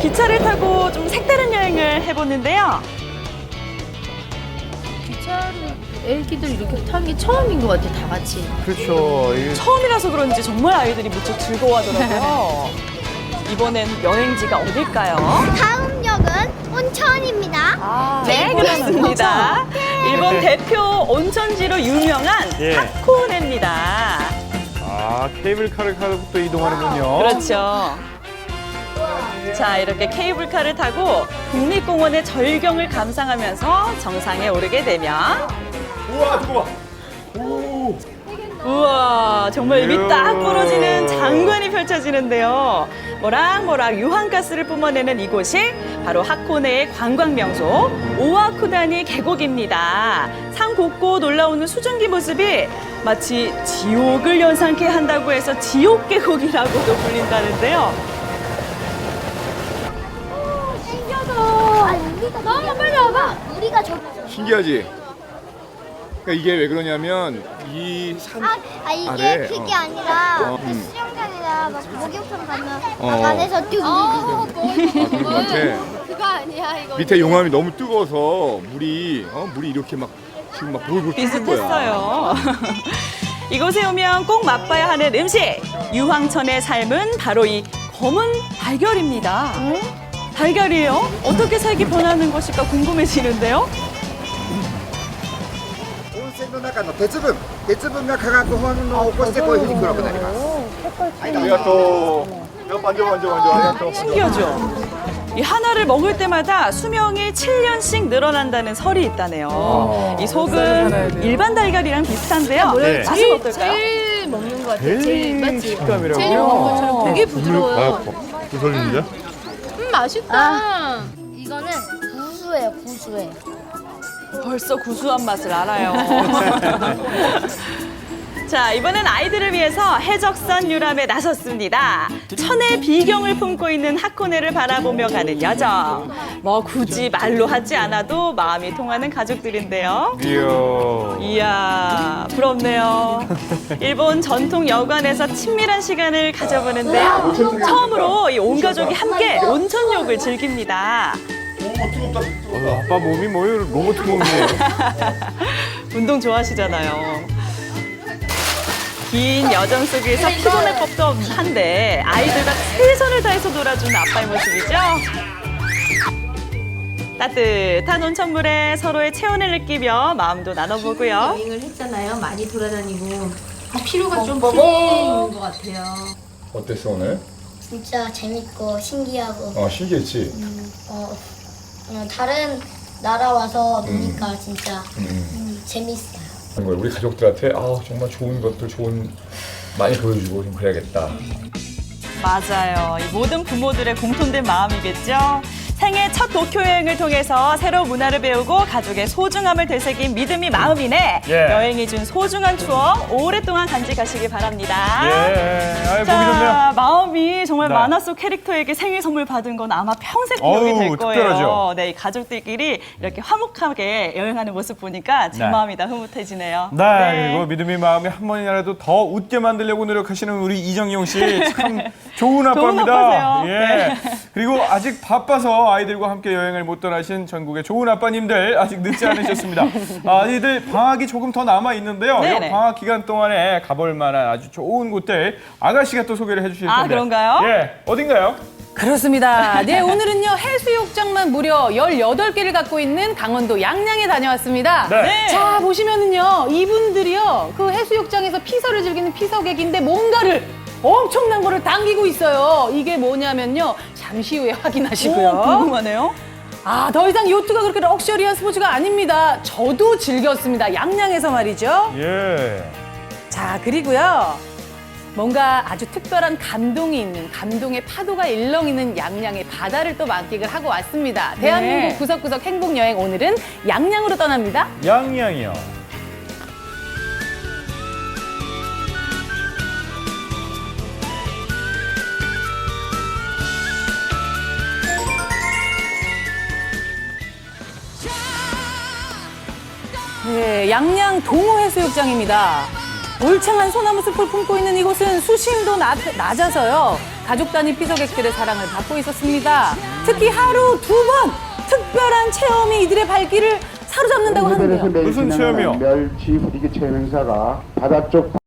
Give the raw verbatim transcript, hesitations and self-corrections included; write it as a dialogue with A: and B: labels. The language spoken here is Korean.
A: 기차를 타고 좀 색다른 여행을 해보는데요.
B: 기차를 애기들 이렇게 타는 게 처음인 것 같아, 다 같이.
C: 그렇죠. 이게
A: 처음이라서 그런지 정말 아이들이 무척 즐거워하더라고요. 이번엔 여행지가 어딜까요?
D: 다음 역은 온천입니다.
A: 아, 네, 그렇습니다. 일본 대표 온천지로 유명한
C: 예.
A: 하코네입니다.
C: 아, 케이블카를 타고 또 이동하는군요.
A: 그렇죠. 자, 이렇게 케이블카를 타고 국립공원의 절경을 감상하면서 정상에 오르게 되면
C: 우와, 저거 봐. 오.
A: 우와, 정말 입이
C: 이야.
A: 딱 부러지는 장관이 펼쳐지는데요. 모락모락 유황가스를 뿜어내는 이곳이 바로 하코네의 관광명소 오와쿠다니 계곡입니다. 산 곳곳 올라오는 수증기 모습이 마치 지옥을 연상케 한다고 해서 지옥계곡이라고도 불린다는데요.
D: 신기하다. 아니, 우리가 너무 빨리 와봐. 우리가 저
E: 신기하지? 그러니까 이게 왜 그러냐면 이 산
D: 아, 아 이게
E: 아래,
D: 그게
E: 어.
D: 아니라
E: 어,
D: 그
E: 음.
D: 수영장이나 막 목욕탕 가면
E: 어.
D: 막 안에서 뚝뚝뚝.
E: 아, 그런 것 같아.
B: 그거 아니야, 이거.
E: 밑에 용암이 너무 뜨거워서 물이 어 물이 이렇게 막 지금 막 볼볼 끓는 거야.
A: 비슷했어요. 이곳에 오면 꼭 맛봐야 하는 음식. 유황천의 삶은 바로 이 검은 달걀입니다. 달걀이에요? 어떻게 색이 변하는 것일까 궁금해지는데요.
F: 温泉の中の鉄分、鉄分が化学反応を起こしてこういうふうに黒くなります。
E: 아리가또. 야, 만져 만져 만져. 아리가또.
A: 신기하죠? 이 하나를 먹을 때마다 수명이 칠 년씩 늘어난다는 설이 있다네요. 이 속은 일반 달걀이랑 비슷한데요.
C: 네.
A: 맛은
B: 제일,
A: 어떨까요?
B: 제일 먹는 것 같아. 제일,
C: 젤리
B: 맞지?
C: 식감이라고.
B: 제일 먹는 것처럼 되게
C: 아,
B: 부드러워요.
C: 부설린데?
B: 음, 맛있다.
D: 이거는 구수해요, 구수해.
A: 벌써 구수한 맛을 알아요. 자, 이번엔 아이들을 위해서 해적선 유람에 나섰습니다. 천의 비경을 품고 있는 하코네를 바라보며 가는 여정. 뭐 굳이 말로 하지 않아도 마음이 통하는 가족들인데요.
C: 이야.
A: 이야, 부럽네요. 일본 전통 여관에서 친밀한 시간을 가져보는데요. 처음으로 이 온 가족이 함께 온천욕을 즐깁니다.
C: 어, 아빠 몸이 뭐 로봇 몸이에요.
A: 운동 좋아하시잖아요. 긴 여정 속에서 피곤할 법도 한데 아이들과 최선을 다해서 놀아주는 아빠의 모습이죠. 따뜻한 온천물에 서로의 체온을 느끼며 마음도 나눠보고요.
B: 여행을 했잖아요. 많이 돌아다니고. 피로가 좀 풀린 것 같아요.
E: 어땠어 오늘?
D: 진짜 재밌고 신기하고
E: 어 신기했지.
D: 어, 어, 다른 나라 와서 노니까 진짜
E: 음.
D: 음, 재밌어요.
E: 그런 걸 우리 가족들한테 아 정말 좋은 것들 좋은 많이 보여주고 좀 그래야겠다.
A: 맞아요. 이 모든 부모들의 공통된 마음이겠죠. 생애 첫 도쿄 여행을 통해서 새로운 문화를 배우고 가족의 소중함을 되새긴 믿음이 마음이네.
C: 예.
A: 여행이 준 소중한 추억 오랫동안 간직하시길 바랍니다.
C: 예. 아이, 보기 좋네요.
A: 자, 마음이 정말
C: 네.
A: 만화 속 캐릭터에게 생일 선물 받은 건 아마 평생 기억이
C: 어우,
A: 될 거예요.
C: 특별하죠.
A: 네, 이 가족들끼리 이렇게 화목하게 여행하는 모습 보니까 제
C: 네.
A: 마음이 다 흐뭇해지네요.
C: 네, 그리고 믿음의 마음이 한 번이라도 더 웃게 만들려고 노력하시는 우리 이정용 씨 참 좋은 아빠입니다.
A: 아빠세요.
C: 예.
A: 네.
C: 그리고 아직 바빠서 아이들과 함께 여행을 못 떠나신 전국의 좋은 아빠님들 아직 늦지 않으셨습니다. 아이들 방학이 조금 더 남아 있는데요.
A: 네네.
C: 이 방학 기간 동안에 가볼 만한 아주 좋은 곳들 아가씨가 또 소개를 해주실 텐데.
A: 아, 그런가요?
C: 예, 어딘가요?
G: 그렇습니다. 네, 오늘은요, 해수욕장만 무려 열여덟 개를 갖고 있는 강원도 양양에 다녀왔습니다.
C: 네.
G: 자, 보시면은요, 이분들이요, 그 해수욕장에서 피서를 즐기는 피서객인데 뭔가를 엄청난 거를 당기고 있어요. 이게 뭐냐면요, 잠시 후에 확인하시고요.
A: 오, 궁금하네요.
G: 아, 더 이상 요트가 그렇게 럭셔리한 스포츠가 아닙니다. 저도 즐겼습니다. 양양에서 말이죠.
C: 예.
G: 자, 그리고요. 뭔가 아주 특별한 감동이 있는, 감동의 파도가 일렁이는 양양의 바다를 또 만끽을 하고 왔습니다. 대한민국
A: 네.
G: 구석구석 행복여행, 오늘은 양양으로 떠납니다.
C: 양양이요.
G: 네, 양양 동호해수욕장입니다. 울창한 소나무 숲을 품고 있는 이곳은 수심도 낮, 낮아서요. 가족 단위 피서객들의 사랑을 받고 있었습니다. 특히 하루 두 번 특별한 체험이 이들의 발길을 사로잡는다고 하는데요.
C: 무슨 체험이요?
H: 멸치 후리기 체험 행사가 바다 쪽